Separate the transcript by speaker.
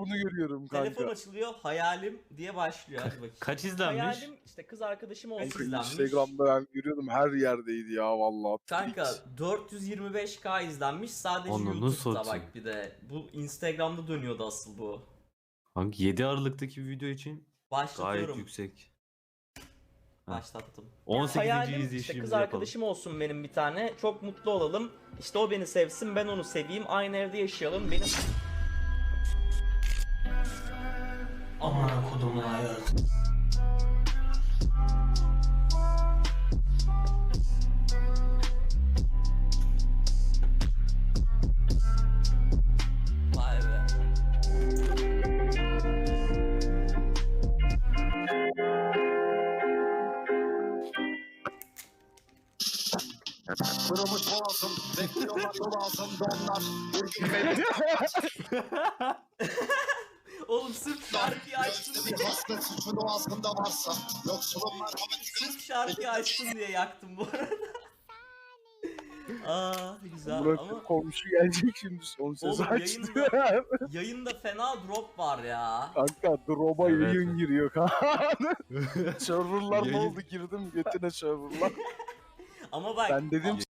Speaker 1: bunu görüyorum kanka.
Speaker 2: Telefon açılıyor, hayalim diye başlıyor. Hadi bakayım.
Speaker 3: Kaç izlenmiş?
Speaker 2: Hayalim işte kız arkadaşım olsun
Speaker 1: Kanka
Speaker 2: izlenmiş.
Speaker 1: Instagram'da ben görüyordum, her yerdeydi ya vallahi.
Speaker 2: Kanka 425k izlenmiş sadece
Speaker 3: Ananı
Speaker 2: YouTube'da
Speaker 3: satayım.
Speaker 2: bak bir de. Bu Instagram'da dönüyordu asıl bu.
Speaker 3: Hangi 7 Aralık'taki bir video için gayet
Speaker 2: Başlatıyorum.
Speaker 3: yüksek.
Speaker 2: Başlattım.
Speaker 3: 18.
Speaker 2: Hayalim işte
Speaker 3: izleyişimizi
Speaker 2: kız
Speaker 3: yapalım.
Speaker 2: arkadaşım olsun benim bir tane. Çok mutlu olalım. İşte o beni sevsin, ben onu seveyim. Aynı evde yaşayalım. Benim... Aman kodumun ayağı. Vay be.
Speaker 4: Kırılmış boğazım, bekliyorlar yol ağzımda onlar. Vurgun beni.
Speaker 2: Oğlum sırf şarkıyı açtın diye.
Speaker 4: Bir hasta suçun o ağzımda varsa. Yoksulum merhamet.
Speaker 2: Sırf şarkıyı açtın diye yaktım bu arada. Aa güzel
Speaker 1: Burak
Speaker 2: ama
Speaker 1: komşu gelecek şimdi son söz
Speaker 2: Oğlum,
Speaker 1: açtı.
Speaker 2: yayında fena drop var ya.
Speaker 1: Kanka drop'a
Speaker 3: Evet.
Speaker 1: yayın giriyor kanka. Serverlar ne
Speaker 3: Yayın-
Speaker 1: oldu, girdim götüne serverlar.
Speaker 2: Ama bak
Speaker 1: Ben dedim